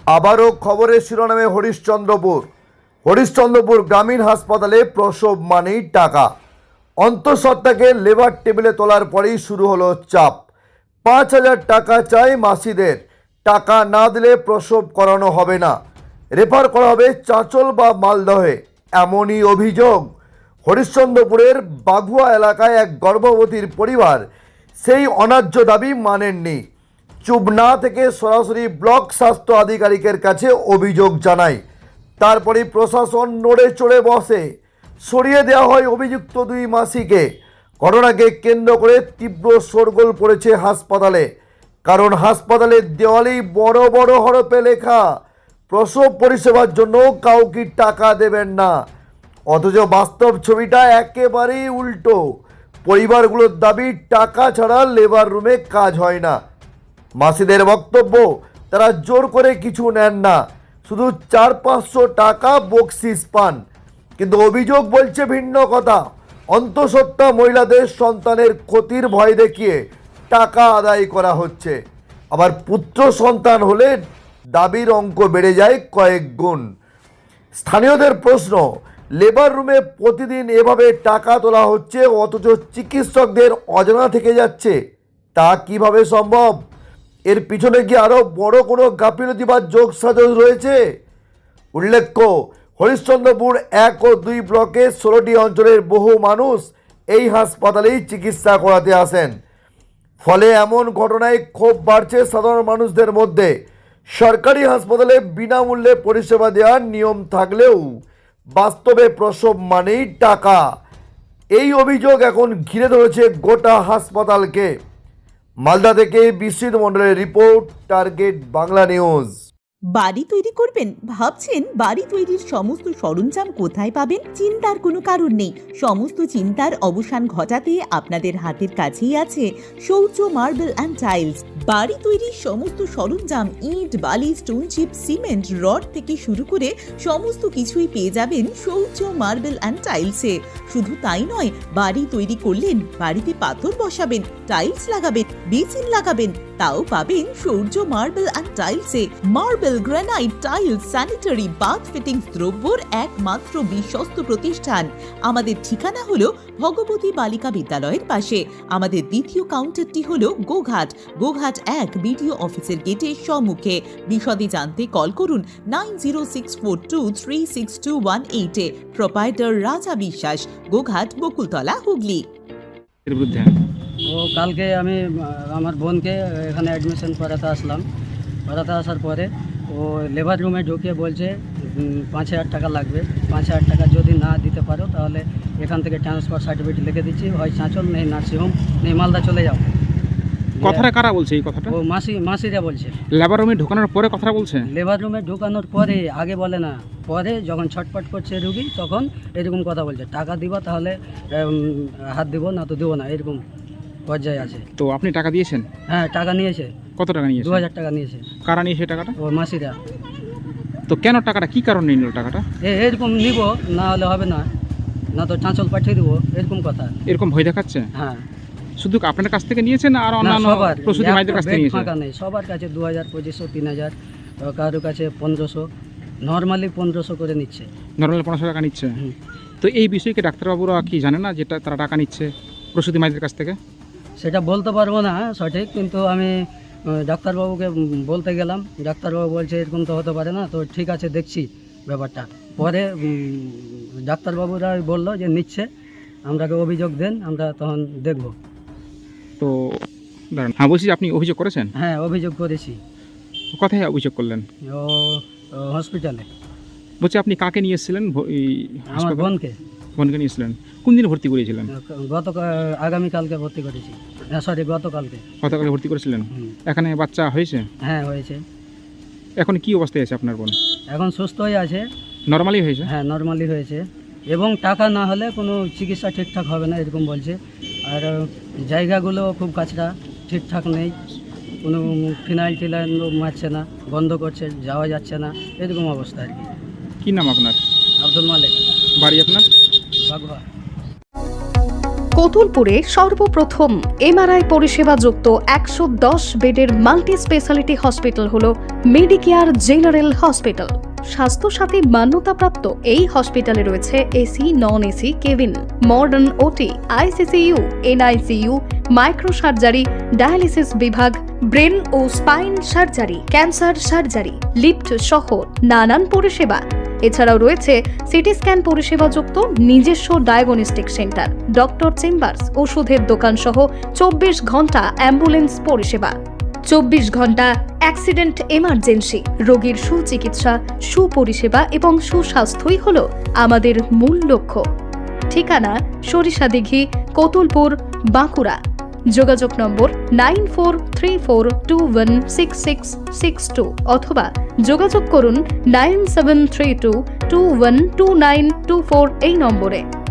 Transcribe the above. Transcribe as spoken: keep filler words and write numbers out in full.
আবারও খবরের শিরোনামে হরিশ্চন্দ্রপুর হরিশ্চন্দ্রপুর গ্রামীণ হাসপাতালে প্রসব মানেই টাকা। অন্তঃসত্ত্বাকে লেবার টেবিলে তোলার পরেই শুরু হলো চাপ। পাঁচ হাজার টাকা চাই মাসিদের, টাকা না দিলে প্রসব করানো হবে না, রেফার করা হবে চাঁচল বা মালদহে, এমনই অভিযোগ। হরিশ্চন্দ্রপুরের বাঘুয়া এলাকায় এক গর্ভবতীর পরিবার সেই অন্যায্য দাবি মানেননি। চুপ না থেকে সরাসরি ব্লক স্বাস্থ্য আধিকারিকের কাছে অভিযোগ জানায়। তারপরে প্রশাসন নড়ে চড়ে বসে, সরিয়ে দেওয়া হয় অভিযুক্ত দুই মাসিকে। ঘটনাকে কেন্দ্র করে তীব্র শোরগোল পড়েছে হাসপাতালে, কারণ হাসপাতালের দেওয়ালেই বড় বড় হরফে লেখা প্রসব পরিষেবার জন্য কাউকে টাকা দেবেন না। অথচ বাস্তব ছবিটা একেবারেই উল্টো। পরিবারগুলোর দাবি টাকা ছাড়া লেবার রুমে কাজ হয় না। মাসিদের বক্তব্য, তারা জোর করে কিছু নেন না, শুধু চার পাঁচশো টাকা বকশিস পান। কিন্তু অভিযোগ বলছে ভিন্ন কথা। অন্তঃসত্ত্বা মহিলাদের সন্তানের ক্ষতির ভয় দেখিয়ে টাকা আদায় করা হচ্ছে। আবার পুত্র সন্তান হলে দাবির অঙ্ক বেড়ে যায় কয়েক গুণ। স্থানীয়দের প্রশ্ন, লেবার রুমে প্রতিদিন এভাবে টাকা তোলা হচ্ছে অথচ চিকিৎসকদের অজানা থেকে যাচ্ছে, তা কিভাবে সম্ভব? এর পিছনে কি আরও বড় কোনো গাফিলতি বা যোগসাজশ রয়েছে? উল্লেখ্য, হরিশ্চন্দ্রপুর এক ও দুই ব্লকে ষোলোটি অঞ্চলের বহু মানুষ এই হাসপাতালেই চিকিৎসা করাতে আসেন। ফলে এমন ঘটনায় ক্ষোভ বাড়ছে সাধারণ মানুষদের মধ্যে। সরকারি হাসপাতালে বিনামূল্যে পরিষেবা দেওয়ার নিয়ম থাকলেও বাস্তবে প্রসব মানেই টাকা। এই অভিযোগ এখন ঘিরে ধরেছে গোটা হাসপাতালকে। মালদা থেকে বিশ্বজিৎ মণ্ডলের রিপোর্ট, টার্গেট বাংলা নিউজ। বাড়ি তৈরি করবেন ভাবছেন? বাড়ি তৈরির সমস্ত সরঞ্জাম কোথায় পাবেন? চিন্তার কোনো কারণ নেই। সমস্ত চিন্তার অবসান ঘটাতে আপনাদের হাতের কাছেই আছে শৌর্য মার্বেল অ্যান্ড টাইলস। বাড়ি তৈরির সমস্ত সরঞ্জাম, ইট, বালি, স্টোন চিপ, সিমেন্ট, রড থেকে শুরু করে সমস্ত কিছুই পেয়ে যাবেন শৌর্য মার্বেল অ্যান্ড টাইলসে। শুধু তাই নয়, বাড়ি তৈরি করলেন, বাড়িতে পাথর বসাবেন, টাইলস লাগাবেন, বেসিন লাগাবেন, তাও পাবেন শৌর্য মার্বেল অ্যান্ড টাইলসে। Marble, granite, tiles, sanitary, bath fittings দ্রব্যর একমাত্র বিশ্বস্ত প্রতিষ্ঠান। আমাদের ঠিকানা হলো ভগবতী বালিকা বিদ্যালয়ের পাশে। আমাদের দ্বিতীয় কাউন্টারটি হলো গোঘাট গোঘাট এক বিডিও অফিসের গেটের সম্মুখে। বিশদে জানতে কল করুন nine zero six four two three six two one এইটে। প্রোপাইটার রাজা বিশ্বাস, গোঘাট, বকুলতলা, হুগলি। ও কালকে আমি আমার বোনকে এখানে অ্যাডমিশন করাতে আসলাম। করাতে আসার পরে ও লেবার রুমে ঢুকিয়ে বলছে পাঁচ হাজার টাকা লাগবে। পাঁচ হাজার টাকা যদি না দিতে পারো তাহলে এখান থেকে ট্রান্সফার সার্টিফিকেট লিখে দিচ্ছি, হয় চাঁচল নেই নার্সিংহোম নেই মালদা চলে যাও। কথাটা কারা বলছে এই কথাটা? ও মাসি মাসিরা বলছে। লেবার রুমে ঢোকানোর পরে কথাটা বলছে? লেবার রুমে ঢোকানোর পরে, আগে বলে না, পরে যখন ছটপট করছে রুগী তখন এরকম কথা বলছে, টাকা দিবা তাহলে হাত দিব, না তো দেবো না, এরকম পর্যায়ে আছে। তো আপনি টাকা দিয়েছেন? হ্যাঁ, টাকা নিয়েছে। কত টাকা নিয়েছে? দু হাজার টাকা নিয়েছে। কারা নিয়েছে টাকাটা? ও মাসিরা। তো কেন টাকাটা, কি কারণে নিল টাকাটা? এরকম নিব, না হলে হবে না, না তো চাঁচল পাঠিয়ে দেবো, এরকম কথা। এরকম ভয় দেখাচ্ছে? হ্যাঁ। শুধু আপনার কাছ থেকে নিয়েছেন আর অন্যান্য প্রসূতি মায়েদের কাছ থেকে নিয়েছেন? ফাঁকা নেই, সবার কাছে দু হাজার পঁচিশশো তিন হাজার কারোর কাছে পনেরোশো, নর্মালি পনেরোশো করে নিচ্ছে। নর্মালি পনেরোশো টাকা নিচ্ছে। তো এই বিষয়ে কি ডাক্তারবাবুরা কি জানে না যেটা তারা টাকা নিচ্ছে প্রসূতি মায়েদের কাছ থেকে? সেটা বলতে পারবো না সঠিক, কিন্তু আমি ডাক্তারবাবুকে বলতে গেলাম, ডাক্তারবাবু বলছে এরকম তো হতে পারে না, তো ঠিক আছে দেখছি ব্যাপারটা। পরে ডাক্তারবাবুরা বললো যে নিচ্ছে, আমরাকে অভিযোগ দেন, আমরা তখন দেখব। তো দাঁড়ান, হ্যাঁ বলছি, আপনি অভিযোগ করেছেন? হ্যাঁ, অভিযোগ করেছি। কোথায় অভিযোগ করলেন? ও হসপিটালে। বলছি আপনি কাকে নিয়ে এসেছিলেন? আমার বোনকে। বোনকে নিয়েছিলেন? কোন দিন ভর্তি করেছিলেন? গত আগামীকালকে ভর্তি করেছি, সরি গতকালকে। গতকালকে ভর্তি করেছিলেন? এখানে বাচ্চা হয়েছে? হ্যাঁ হয়েছে। এখন কি অবস্থায় আছে আপনার বোন? এখন সুস্থ হয়ে আছে। নর্মালি হয়েছে? হ্যাঁ, নর্মালি হয়েছে, এবং টাকা না হলে কোনো চিকিৎসা ঠিকঠাক হবে না এরকম বলছে। আর জায়গাগুলো খুব কাছরা, ঠিকঠাক নেই, কোনো ফিনাইল টিনাইল মারছে না, বন্ধ করছে, যাওয়া যাচ্ছে না, এরকম অবস্থা আর কি। কী নাম আপনার? আব্দুল মালিক। বাড়ি আপনার? বাঘুয়া। কোতুলপুরে সর্বপ্রথম এমআরআই পরিষেবা যুক্ত একশো দশ বেডের মাল্টি স্পেশালিটি হসপিটাল হল মেডিকেয়ার জেনারেল হসপিটাল। স্বাস্থ্যসাথী মান্যতাপ্রাপ্ত এই হসপিটালে রয়েছে AC, non AC cabin, modern OT, ICCU, NICU, micro surgery, dialysis বিভাগ, ব্রেন ও spine surgery, cancer surgery, lift সহ নানান পরিষেবা। এছাড়াও রয়েছে সিটি স্ক্যান পরিষেবা যুক্ত নিজস্ব ডায়াগনস্টিক সেন্টার, ডক্টর চেম্বার্স, ওষুধের দোকান সহ চব্বিশ ঘন্টা অ্যাম্বুলেন্স পরিষেবা। চব্বিশ ঘন্টা অ্যাক্সিডেন্ট এমার্জেন্সি, রোগীর সুচিকিৎসা, সুপরিষেবা এবং সুস্বাস্থ্যই হল আমাদের মূল লক্ষ্য। ঠিকানা সরিষাদিঘি, কোতুলপুর, বাঁকুড়া। যোগাযোগ number nine four three four two one six six six two অথবা যোগাযোগ করুন nine seven three two two one two nine two four এই নম্বরে।